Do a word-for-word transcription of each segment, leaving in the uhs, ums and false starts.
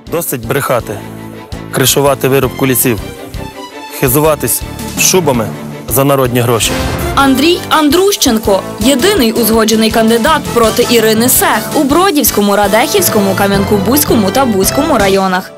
Досить брехати, кришувати вирубку лісів, хизуватись шубами за народні гроші. Андрій Андрущенко – єдиний узгоджений кандидат проти Ірини Сех у Бродівському, Радехівському, Кам'янку-Бузькому та Буському районах.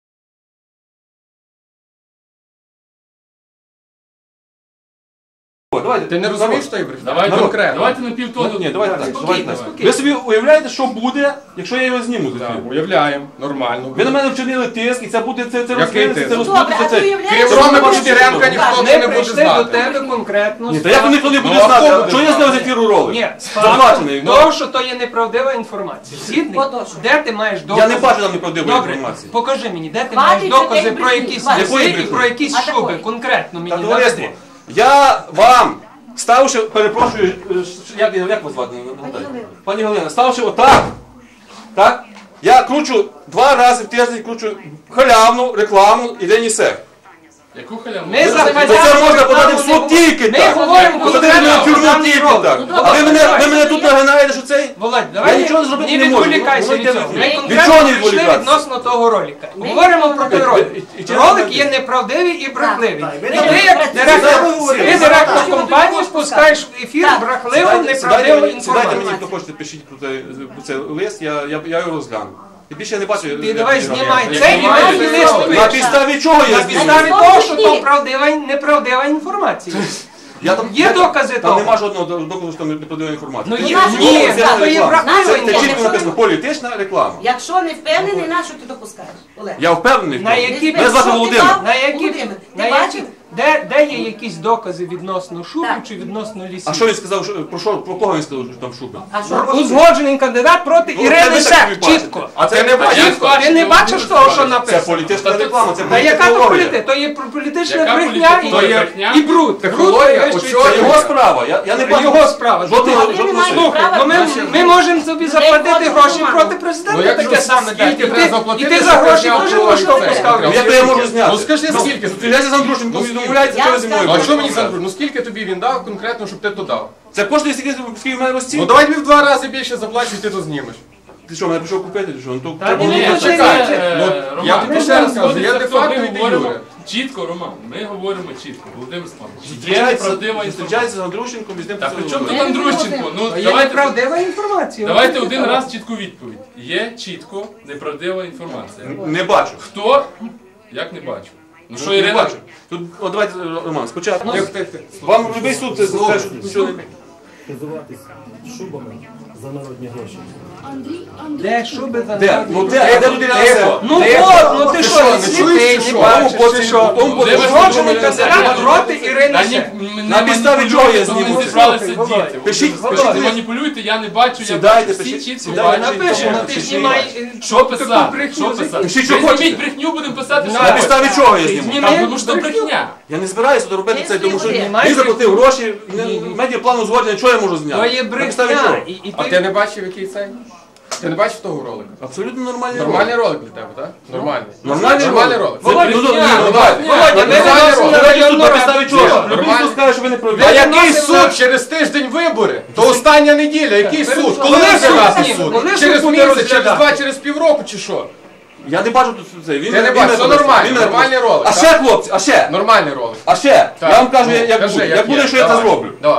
Давайте, ти не розумієш, що я брехня? Давайте конкретно. Давайте на півтону. Ні, давайте так. Спокійно, Ви собі уявляєте, що буде, якщо я його зніму? Так, уявляємо, нормально. Ви на мене вчинили тиск, і це буде, це, це Який розкрилося, тиск? це розпутиться, це... Крім Роми Бочтіренка ніхто Ми не буде прийшли до знати. тебе конкретно. Ні, та як ніхто не буде Ну, а знати? хто А буде Чого я знати? зняв з ефіру ролик? Ні, Заплачений. ну. Того, що то є неправдива інформація. Згідний? Де ти маєш докази? Я не бачу там неправдивої Добре, інформації. покажи мені, де ти Хватить маєш докази такої про якісь брехні. ліси Якої і брехні? про якісь А шуби. такої? Конкретно Та, мені товариство, наведи. я вам, ставши, перепрошую, е, ш- як, як вас звати? Нагадайте? Пані Галина, ставши отак, так, я кручу два рази в тиждень, кручу халявну рекламу Ірині Сех. Яку халяву? Ми За захватили це можна рекламу подати в не суд було. тільки Ми так. говоримо Посадити конкретно мене в про тюрму даний тільки ролик. так. Ну, А ви мене, давай. ви мене тут нагинаєте, що цей? Володь, Я давай нічого зробити не не можу. відволікайся Ну, від ну, цього. від Ми чого конкретно не прийшли відволікатися? відносно того ролика. Говоримо про той ролик. І- і- і- Ролик є неправдивий і брехливий. Так, І так. ти Ви як не директор, працюєте. ти Так. директор Так. компанії спускаєш в ефір Так. брехливу, Сідайте- сідайте неправдиву мені- Сідайте мені, інформацію. хто хочете, пишіть про цей, про цей лист, я, я, я його розгляну. І більше я не бачу. Ти як- давай як- знімай як- це і як- ми як- тобі як- лист На пишемо. підставі чого я На підставі знімаю? того, що то правдива, неправдива інформація. Я там, Є я- докази Там того? нема жодного доказу, що там неправдива інформація. Ну Це- є, це ні, офіційна то є реклама. правдива Це- Це чітко інформація. написано, політична реклама. Якщо не впевнений, на що ти допускаєш? Олег. Я впевнений в На тому. які Мене звати Що ти Володимир. дав? На які, Володимир, на ти які, бачив? де, де є якісь докази відносно шубів Так. чи відносно лісів? А що він сказав, що- про що, про кого він сказав, що там шуби? А що? Узгоджений кандидат проти Ну, Ірини це ви Сех, так бачите. чітко. А це не бачите. Чітко, ти не бачиш того, що Це написано? політична реклама, це Та яка то політологія. політика? То є про- політична Яка брехня політика? і, То є брехня? і бруд. Технологія, Бруд, от і чого Це весь його час. справа. Я, я не бачу. Його справа. Жодного, Слухай, жодного немає слуху. права. Ну ми, ми можемо собі заплатити гроші проти президента, Ну, як таке же, саме скільки дати. І треба ти- заплатити, І ти щоб за гроші зняв теж чоловік можеш це? поставити. Ну, як то я можу зняти? Ну скажи, скільки? Стріляйся з Андрушенком, Ну, відмовляється, Я що ви зі мною. скажу. Ну, а що мені будете за Ну скільки тобі він дав конкретно, щоб ти то дав? Це коштує стільки, скільки в мене розцінка. Ну давай тобі в два рази більше заплачу, і ти то знімеш. Ти що, мене пішов купити? Чи що? Ну, то Та треба ні, було- ні, Ні, чекай, чекай, чекай. е, Ну, Роман, я ти тобі ще ще раз кажу, розказую, я я де де факти факти ми і говоримо Юре. чітко, Роман, ми говоримо чітко, Володимир Степанович. Є Зустрічається неправдива інформація. зустрічається з Андрушенком і з ним Так, при чому поцілує. тут Андрущенко? Ну, Є давайте, неправдива інформація. давайте От один таке. раз чітку відповідь. Є чітко неправдива інформація. Не бачу. Хто? Як не бачу? Ну що, Не Ірина? бачу. Тут, от давайте, Роман, спочатку. Тихо, тихо, тихо. Вам любий суд це скаже, що не... Хизуватись шубами за народні гроші. Де шуби за Де? Ну де? Де людина несе? Ну от, ну ти що, не не сліпий, чуєш, не що? бачиш, Тому ти потім- що? тому потім- Володимир Узгоджений Степанович, кандидат проти Ірини Та Сех. ні, м- На не підставі чого я маніпулюйте, зніму не це? зібралися Володь, діти. Пишіть, Ви пишіть. не маніпулюйте, я не бачу, я Сідайте, бачу. Всі пишіть, чітко сідайте. бачать. Напишемо, Ні, ти пишіть. знімай. Що писати? брехню Що писати? Пишіть, що Ви хочете. зніміть брехню, будемо писати. На що На підставі чого я зніму? Зніми. Та, тому що це брехня. Я не збираюся тут робити це, тому що Знімай. він заплатив гроші, медіаплан узгоджений, чого я можу То зняти? є На підставі чого? брехня. І- і А ти- ти не бачив, який цей? Ти не бачив того ролика? Абсолютно нормальний Нормальний ролик для тебе, так? Нормальний. Нормальний Нормальний ролик. ролик. Це Володя, ну, ну, ні, ну, Володя, давай. Володя, ми Нормальний виносимо ролик. на Давайте тут районну на підставі раду. чого? Що? Любий Нормально. суд скаже, що ви не праві. А який Виносимо суд через тиждень вибори? То остання неділя, який суд? Коли Коли розглядати суд? суд? Коли суд Через буде місяць, через розглядати? два, через півроку чи що? Я не бачу тут це. Він Ти не він бачиш, мене все просто- нормально, він мене нормальний просто- ролик, А так? ще, хлопці, а ще, Нормальний ролик. а ще. Так. Я вам кажу, Ну, як кажи, буде, як як буде, є. що я це Давай. зроблю. Давай.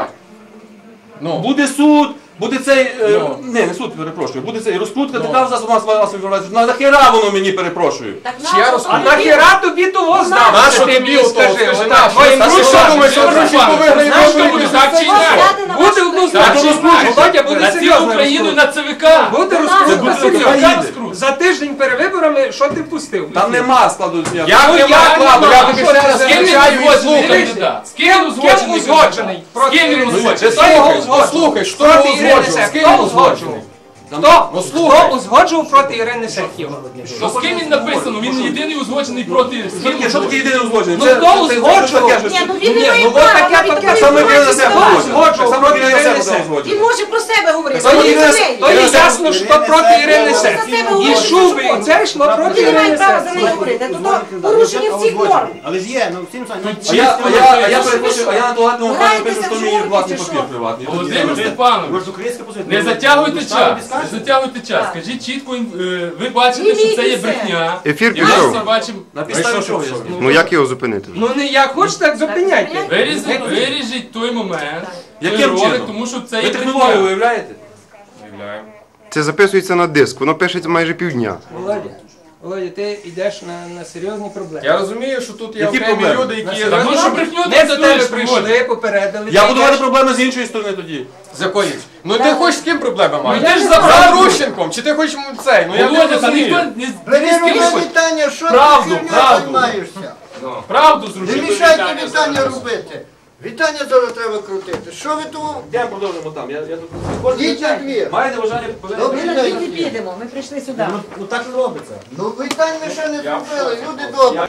Ну. Буде суд, буде цей, е, Ну. не, не суд, перепрошую, буде цей розкрутка, така в засобах масової інформації. На нахера воно мені, перепрошую? Так Чи я на- розкажу? А нахера тобі того знав? На Що що ти тобі мені ото? скажи? Скажи, Отак, на що? твоїм Та що дружкам, думаєш, що Володя, Андрушенко виграє знаєш, вибори? що буде? Так чи ні? Буде однозначно. Так, Володя, Володя, буде На цілу серйозно Україну розкрутка. на ЦВК. Буде Це розкрутка буде серйозна. Україна. За тиждень перед виборами, що ти пустив? Там нема складу ніякого. Я Ну, не я кладу, не я знаю, тобі що ще це раз за включаю і речі? слухай. Дивися. З ким він Ким узгоджений? З ким він узгоджений? Хто Слухай, його ну, узгоджував? слухай, що Проти його Ірини узгоджував? Сех. З ким Хто він узгоджений? узгоджував? Ну, Хто? слухай. Хто узгоджував проти Ірини Сех його? Ну, з ким він написано? Він єдиний узгоджений проти. з Що ким таке, що таке єдине узгодження? Ну, Це- хто це- це- це узгоджував? таке щось- Ні, ну він не Ні, має ну, права, таке, навіть таке, такої Саме Ірина інформації Сех давати. узгоджує. Узгоджував Саме проти Ірина Ірини Сех Сех. узгоджує. Він може про себе говорити. Саме Він не Ірина- закриє. То є Ірина Сех- ясно, що проти Ірини Сех. Ірина І Сех шуби, і це йшло проти Він не має Ірини права за Сех. неї говорити. То то порушення всіх норм. Але ж є, ну всім самі. А я, а я, а я перепрошую, а я на туалетному Граєтеся пані пишу, що в мій журки власний чи папір що? приватний. Володимир Ви Степанович, ж українська позиція. не затягуйте час. Не затягуйте час, скажіть чітко, е, ви бачите, що це є брехня. Ефір І ми пішов. всі бачимо. На підставі чого я знімаю? Ну як його зупинити? Ну не як хочете, так зупиняйте. Вирізіть, виріжіть той момент, той Яким ролик, чином? тому що це Ви є технологію брехня. виявляєте? Це записується на диск, воно пишеться майже півдня. Володя, Володя, ти йдеш на, на серйозні проблеми. Я розумію, що тут є Які окремі проблеми? люди, які... Так, ну що брехню Ми до тебе транслюєш, прийшли, попередили. Я ти буду йдеш. мати проблеми з іншої сторони тоді. З якої? Ну ти хочеш з ким проблеми маєш? Ну, ти ж З забрав. Андрущенком, чи ти хочеш м, цей? Ну я не Володя, та ніхто розумію. не не з ким хоче. Вітання, що Правду, ти херню правду. займаєшся? Правду Не зрушити. мішайте вітання робити. Вітання зараз треба крутити. Що ви тут? Я продовжимо там. Я, я тут Йдіть на двір. маєте бажання повернути? Добре. Ми на дві не підемо, ми прийшли сюди. Ну так і робиться. Ну вітань ми ще не зробили, люди добрі.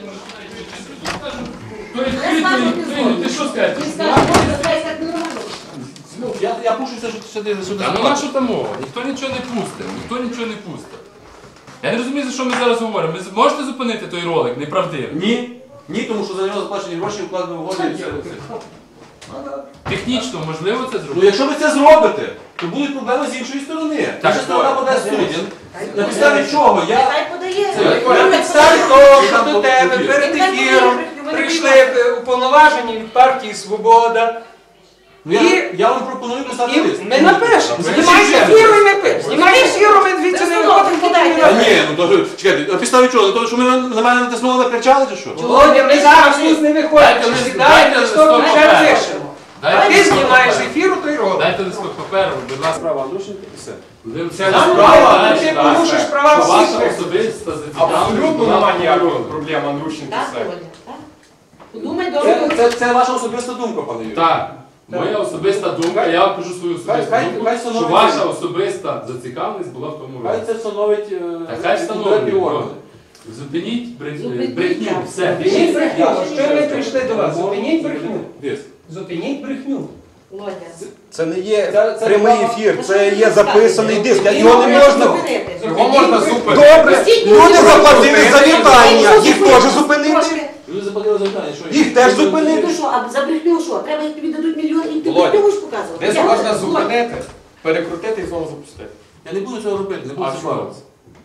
Той хитрий, ти що скажеш? Ти скажеш, що це так нормально. Ну, я, я пушуся, що сюди, сюди. Та ну на що там мова? Ніхто нічого не пустить, ніхто нічого не пустить. Я не розумію, за що ми зараз говоримо. Ви можете зупинити той ролик неправдивий? Ні. Ні, тому що за нього заплачені гроші, вкладено в угоду і все. Технічно можливо це Ну зробити? якщо ви це зробите, то будуть проблеми з іншої сторони. Наша сторона подасть суддям. На підставі чого? Я... Хай подає. На підставі того, що до тебе перед ефіром прийшли е, уповноважені від партії Свобода. Ну, я, я вам пропоную писати І лист. ми напишемо. Знімай з ефіру і ми пишемо. Знімай з ефіру, ми звідси не виходимо, поки не Та напишемо. ні, ну то чекайте, на підставі чого? Тому що ми на на мене натиснули, накричали чи що? Володя, ми зараз тут не виходимо. Дайте Чи лист- сідаємо, дайте чи що листок ми вже паперу. пишемо. А Дайте ти листок знімаєш паперу. ефіру, то й робиш. Дайте листок паперу, будь ласка. Справа Андрушенка і все. Це Нам справа, ти так, порушиш так. права Що всіх. ваша особиста зацікавленість Абсолютно була немає ніякої в проблеми Андрущенко Так, все. Володя, так? Подумай Це, добре. це, це ваша особиста думка, пане Юрій. Так, моя особиста думка, я вам кажу свою особисту Хай- думку, хай що встановить- ваша особиста зацікавленість була в тому Хай році. це встановить е, Та хай встановлюють. відповідні органи. Зупиніть брех- Зупиніть, брехню, так. все. Зупиніть брехню. Що ми прийшли до вас? Зупиніть брехню. Десь. Зупиніть брехню. Володя. Це не є Це- це прямий право- ефір, Ну, це що є ти записаний розказуєш? диск. Ти Його не можеш можна. зупинити. Його можна зупинити. Добре, люди заплатили за Ти вітання. можеш Їх зупинити. теж зупинити. Трошки. Люди заплатили за питання, що Їх теж зупинити. Ну що, а за брехню що? Треба, як тобі дадуть мільйон, і ти Володя, брехню будеш показувати. Десь Я- можна Володя, зупинити, перекрутити і знову запустити. Я не буду цього робити, не буду А цього чого? бавитися.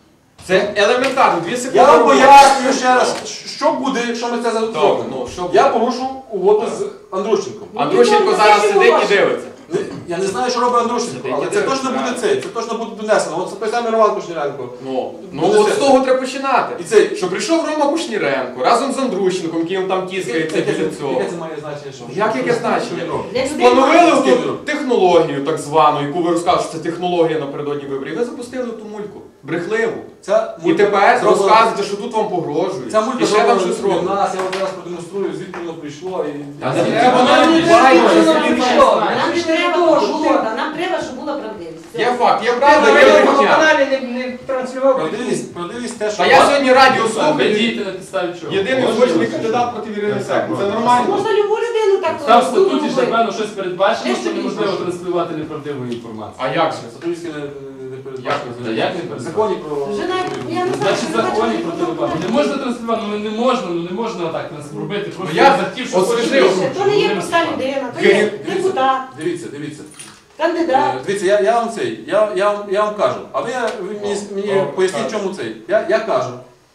Це елементарно, дві секунди. Я вам роботи. пояснюю ще раз, що буде, якщо ми це зробимо. ну, що Я буде? порушу угоду з Андрущенком. Андрущенко Ну, зараз ну, сидить і ну, дивиться. Я не знаю, що робить Андрущенко, Сидить але і це дивиться, точно буде правильно. це, це точно буде донесено. От той самий Роман Кушніренко. Ну, ну Буде от це. з того треба починати. І цей- Що прийшов Рома Кушніренко разом з Андрущенком, яким там тіскається Яке біля це- цього. Яке це має значення? що? Як яке значення? Що він робить? Для людей Встановили має. оту технологію так звану, яку ви розказуєте, що це технологія напередодні виборів. Ви запустили ту мульку. Брехливу. Ця І мулька тепер зроблена- розказуєте, що тут вам погрожують. Ця мулька І ще там зроблена щось для робить. нас, я вам зараз продемонструю, звідки воно прийшло. І... Та Я- звідки Я- воно я- прийшло? я- Бачите, я- що він Нам знає. не треба угода, нам треба, щоб була правдивість. Все. Є факт, є Ти правда, на є радіо брехня. каналі не, не транслював. Правдивість, правдивість те, що... Та я сьогодні радіо Ви слухаю. дієте на підставі чого? Єдиний Можна узгоджений ви- кандидат проти Ірини Сек. Це нормально. Можна любу людину так Там в розумно статуті ж, робити. напевно, щось передбачено, Де що собі неможливо можна? транслювати неправдиву інформацію. А як же? Сатурійське не, не передбачено. Та як не передбачено? В законі про... Вже навіть, я не знаю, Значить, що законі бачити, про що телебачення. Не бачити. можна транслювати, ну не можна, ну не можна так нас робити. Просто я захотів, що освіжив. хочеш. То не є проста людина, то є депутат, Дивіться, дивіться. кандидат. Е, Дивіться, я, я вам цей, я, я, вам, я вам кажу, а ви, ви мені, мені О, поясніть, так. чому цей. Я, я кажу,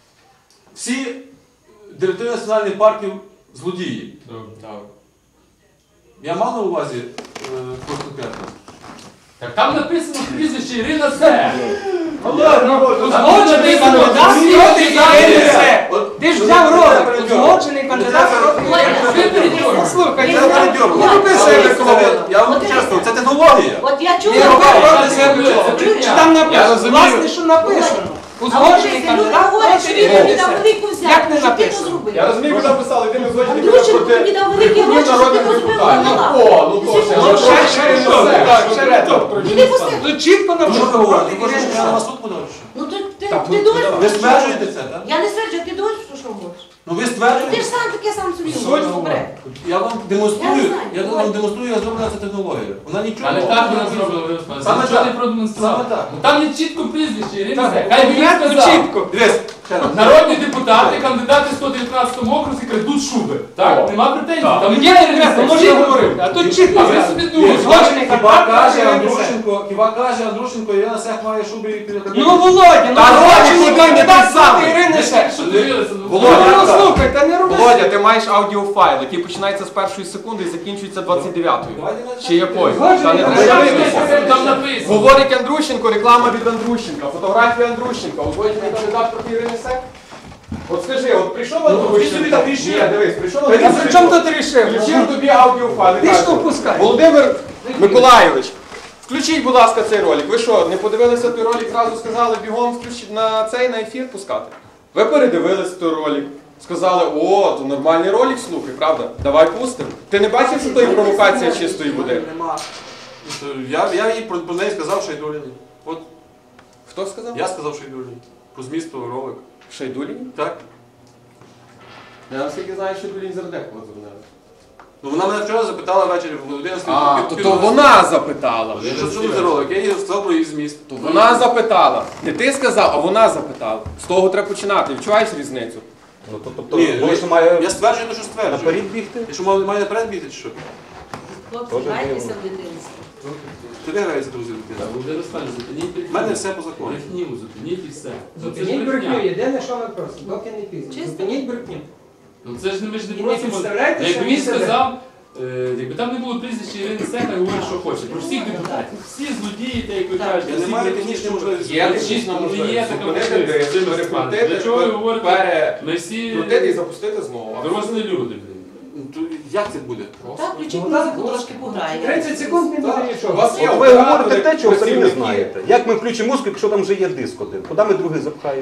всі директори національних парків злодії. Добре. Я мав на увазі е, когось конкретно? Так там написано прізвище Ірина Се. Узгоджений кандидат проти Ірини Сек. От, Ти ж ну, взяв це ролик. передьор. Узгоджений кандидат проти Ірини Сек. Слухай, Це передьор. не роби себе кого. Я вам чесно, це технологія. От я Не чула, роби що проти себе цього. Чи там Я написано? розумію. Власне, що написано. а Узгоджений люди кандидат говорять, що проти він тобі Ірини дав Сек. велику взятку, Як не що ти то написано? зробив. Я розумію, ви написали, ти не згодні Андрющенко тобі дав великі гроші, що ти то зробив на О, ну то Ну, ще. ще, ще, ще, так, ще не то. Ти не пустив. Тут чітко Ну, що ви написано говорите? проти Ви хочете, Ірини щоб я на вас Сек. суд подав? чи що? Ну ти, ти, Так, ти ну, думаєш? Ви стверджуєте це, так? Я не стверджую, ти думаєш, що що можеш. Ну ви Ти ж стверджуєте? сам таке сам собі Суть думаєш. Добре. Я вам Я демонструю, не знаю. я вам демонструю, я зроблена ця технологія. Вона нічого Але так вона зробила, ви розповіли. Саме Нічого так. не продемонстрував. Саме так. Ну там є чітко прізвище Ірина Так, Се. Хай би він конкретно сказав. чітко. Дивись, Народні депутати, кандидати в сто дев'ятнадцятому окрузі крадуть шуби. Так? Нема претензій. Там Там є не треба, може я говорив. А тут чітко. А ви собі думаєте. Злочини Хіба Карпат каже проти Ірини Сех. Андрушенко, хіба каже Андрушенко, Ірина Сех має шуби і піде. Ну, Володя, ну Та злочинний Володя, кандидат ти сам. проти Ірини Сех. Що дивилися? Володя, Ну, слухай, та не роби. Володя, ти маєш аудіофайл, який починається з першої секунди і закінчується двадцять дев'ятою. Чи якою? Та не треба дивитися. Там написано. Говорить Андрущенко, реклама від Андрущенка, фотографія Андрущенка, узгоджений кандидат проти Ірини Сех. От скажи, от прийшов Андрущенко, ні, дивись, прийшов Ти при чому Андрущенко, тут рішив? включив тобі аудіофайл і Ти каже, що впускаєш? Володимир Миколайович, включіть, будь ласка, цей ролик. Ви що, не подивилися той ролик, зразу сказали бігом включити на цей, на ефір пускати? Ви передивилися той ролик, сказали, о, то нормальний ролик, слухай, правда? Давай пустимо. Ти не бачив, що то є провокація чистої води? Нема. Я, я їй про, про неї сказав Шайдуліні. От Хто сказав? я сказав Шайдуліні. Про зміст того ролик. Шайдуліні? Так? Я наскільки знаю, що Шайдуліні Зардекова дзвонила. Ну вона мене вчора запитала ввечері в одинадцятій. А, то, то вона запитала. Що це за ролик? Я їй сказав про її зміст. То вона запитала. Не ти сказав, а вона запитала. З того треба починати. Відчуваєш різницю? Ну, то, тобто, Ні, Володя має я стверджую, те, що стверджую. наперед бігти? Я що маю маю наперед бігти, чи що? Хлопці, грайтеся в дитинстві. Ти де граєшся, друзі? Володимир Степанович, зупиніть. У мене все по закону. Брехню, зупиніть і все. Ну, це ж Зупиніть брехня. брехню, єдине, що ми просимо, доки не пізно. Чисто. Зупиніть брехню. Ну це ж не- ми ж не І не просимо. підставляйте Якби самі він себе. сказав, е, якби там не було прізвища Ірини Сеха, говорить, що хоче. Про всіх депутатів. Всі злодії, та як ви кажете. Я всі не маю брехні, технічної що- можливості. Є Ну, технічна ну, можливість. є така Зупинити можливість. диск, Володимир перекрутити, Степанович, Для чого ви говорите? пере- Ми всі Крутити і запустити знову. дорослі люди, блін. То Як це буде? Так, включіть музику, трошки пограє. тридцять секунд не буде У нічого. вас є От ви оператори, говорите те, чого самі не працівники. знаєте. Як ми включимо музику, якщо там вже є диск один? Куди ми другий запхаємо?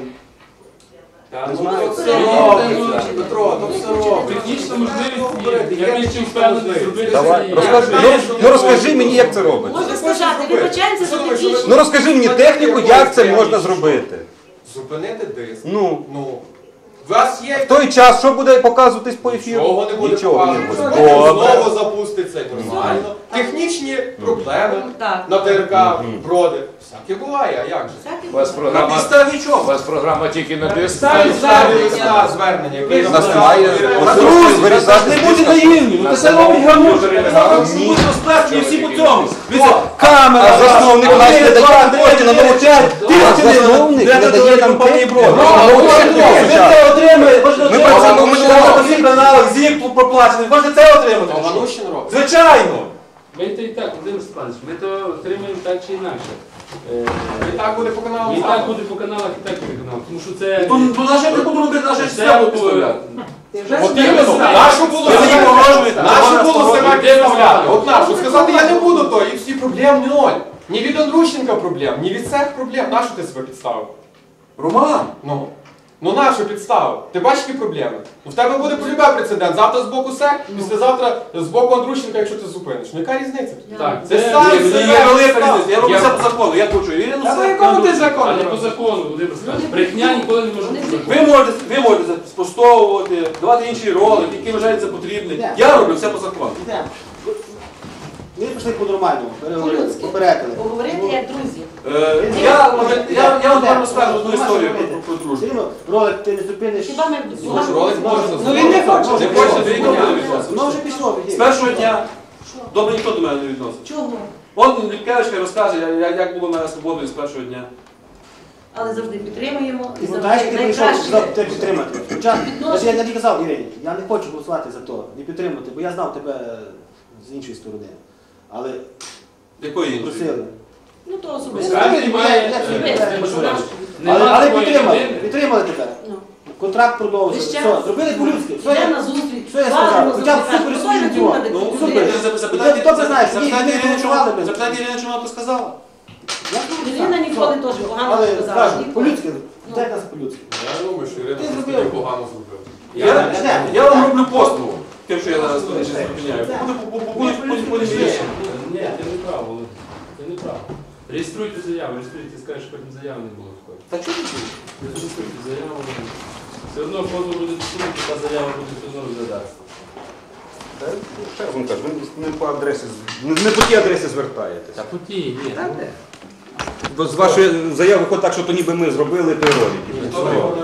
Та, Не ну, знаю. то все Це робиться, Петро, то все робиться. Технічна можливість є. Я більш чим впевнений зробити. Давай, це. розкажи. Я Ну, знаю, що ну не розкажи можна. мені, як це робиться. Можна сказати, вибачаємося за технічну. Ну розкажи мені техніку, як це можна зробити. Зупинити диск. Ну, Ну, у вас є... в той час, що буде показуватись по ефіру? Нічого не буде Нічого не показувати. буде. Знову Добре. запуститься нормально. Технічні проблеми Так. на ТРК броди. Всяке буває, а як же? Всяке У вас буває. На програма, підставі у чого? вас програма тільки на диск. Ставі листа звернення, який У нас записав немає Юрій можливості Володимирович. вирізати Не з будьте диска. наївні, ну це все робить гамуш. Ні. Будуть розплескані всі по цьому. А Камера, засновник нас не дає кошти на нову чергу. А засновник не дає нам компанії кошти. Брод. Ну, Ви це отримаєте, можете Ми отримати. працюємо, Ми ми живемо живемо. на всіх каналах, ЗІК проплачений, можете це отримати. А Ганущин робить. Звичайно. Ми то і так, Володимир Степанович, ми то отримаємо так чи інакше. Е, І так буде по каналу. І так буде по каналах, і так буде по каналах. Тому що це... Ну, ну наше не буду робити, наше Це все було- підставляти. Ти вже От собі іменно, знаєш. нашу було Ви мені себе погрожуєте. нашу було Вона себе сторона. підставляти. От нашу. Сказати, я не буду то, і всі проблем ноль. Ні від Андрущенка проблем, ні від цих проблем. Нашу ти себе підставив? Роман, Ну. Ну нашу підставив. Ти бачиш, які проблеми? Ну в тебе буде полюбе прецедент. Завтра з боку СЕК, післязавтра з боку Андрущенка, якщо ти зупиниш. Ну яка різниця? Так, Це це... сам Ні, себе є велика підстав. різниця. Я роблю Я- все по закону. Я хочу Ірину Та по Сех. якому ти А закону не по робиш? закону, Володимир Степанович. Брехня ніколи не може бути законом. Ви можете, ви можете спростовувати, давати інші ролики, які вважаєте за потрібні. Я роблю все по закону. Ми пішли по-нормальному, По-людськи. попередили. Поговорити як друзі. Е, Я я- я вам розкажу одну історію про- про- про дружбу. Все рівно ролик ти не зупиниш. Хіба ми Може, ролик можна Ну він не хоче. Не хочете, то і не буде відносин. Воно вже пішло. З першого дня добре ніхто до мене не відносить. Чого? От Ліпкевичка розкаже, я- я- як було в мене свободою з першого дня. Але завжди підтримуємо і І знаєш, завжди ти прийшов найкраще. за- тебе підтримати. Хоча, Відношення. я не казав Ірині, я не хочу голосувати за то, не підтримати, бо я знав тебе з іншої сторони. Але Якої іншої? просили. Ну то особисто. Справді немає... Я- я- е, я- е, я- наш. Але, Нема але такої підтримали, людини. підтримали тебе. Ну. Контракт продовжили. Ви ще Все, раз. зробили по-людськи. Все, Йдемо я- на зустріч. Що я Ладно, сказав? Хоча б запитати. супер Хто собі не діла. думати, Ну, куди? супер. Запитайте- Запитайте Хто- хто знає, запитайте скільки Ірину, вони що голосували вона- би? запитайте Ірину, що вона то сказала. Я Ірина ніколи теж погано Але не сказала. кажу, Ніколи. по-людськи, Ну. дай нас по-людськи. Я думаю, що Ірина Ти щось зробив. таке погано зробила. Я, я вам роблю послугу, тим, що я зараз тут ще зупиняю. Будуть потім рішення. Ні, ти не прав, Володимир. Ти не прав. Реєструйте заяву, реєструйте, скажеш, що потім заяви не було такої. Та чого ти чуєш? Реєструйте заяву. Все одно позов буде відсунути, та заява буде все одно розглядатися. Та, ну, ще раз вам кажу, ви не по адресі, не, не по тій адресі звертаєтесь. Та по тій, ні. Бо з вашої заяви виходить так, що то ніби ми зробили той ролик. Ніхто його не робить.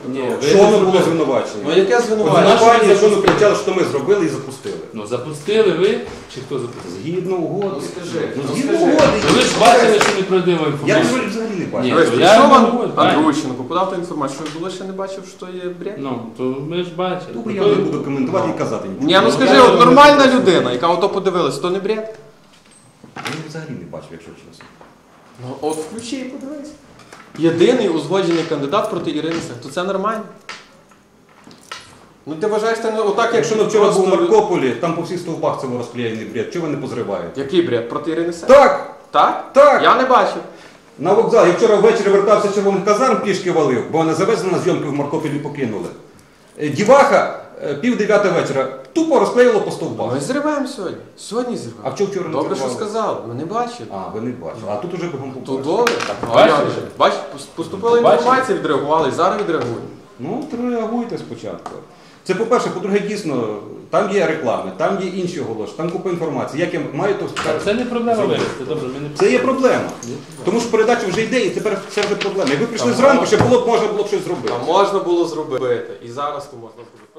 Ні, Петрович. ви Що не воно було зробили. звинувачення? Ну яке От звинувачення? звинувачення, що ми кричали, що ми зробили і запустили. Ну запустили ви, чи хто запустив? Згідно угоди. Ну скажи, Ну, ну згідно скажи. угоди. Ну, ви ж бачили, що неправдива Я інформація. ролик взагалі не бачив. Ні, Дивись, то я прийшов не Ан- говорю, так. Андрущенко, подав ту інформацію, що було ще не бачив, що є бред. Ну, то ми ж бачили. Добре, я не буду коментувати і казати нічого. Ні, ну скажи, от нормальна людина, яка ото подивилась, то не бред? Я взагалі не бачив, якщо чесно. Ну от включи і подивись. Єдиний узгоджений кандидат проти Ірини Сех, то це нормально. Ну ти вважаєш, це не отак, Якщо якщо ми вчора просто... був в Маркополі, там по всіх стовпах цього розклеєний бред, чого ви не позриваєте? Який бред? Проти Ірини Сех? Так! Так? Так! Я не бачив. На вокзал. Я вчора ввечері вертався з червоних казарм, пішки валив, бо мене завезли на зйомки в Маркополі покинули. Е, Діваха, е, пів дев'ята вечора, тупо розклеїло по стовпах. Ми зриваємо сьогодні. Сьогодні зриваємо. А чого вчора не Добре, що зривали? сказали. Ми не бачили. А, ви не бачили. А тут уже бігом То побачили. добре. А Бачили? як же? Бач, поступила Бачили? інформація, відреагували і зараз відреагуємо. Ну, то реагуйте спочатку. Це, по-перше, по-друге, дійсно, там є реклами, там є інші оголошення, там купа інформації. Як я маю, то Та Це не проблема вирішити. Добре, ми не Це є проблема. Тому що передача вже йде, і тепер це вже проблема. Якби прийшли Та зранку, можна. ще було б можна було б щось зробити. А можна було зробити. І зараз то можна було.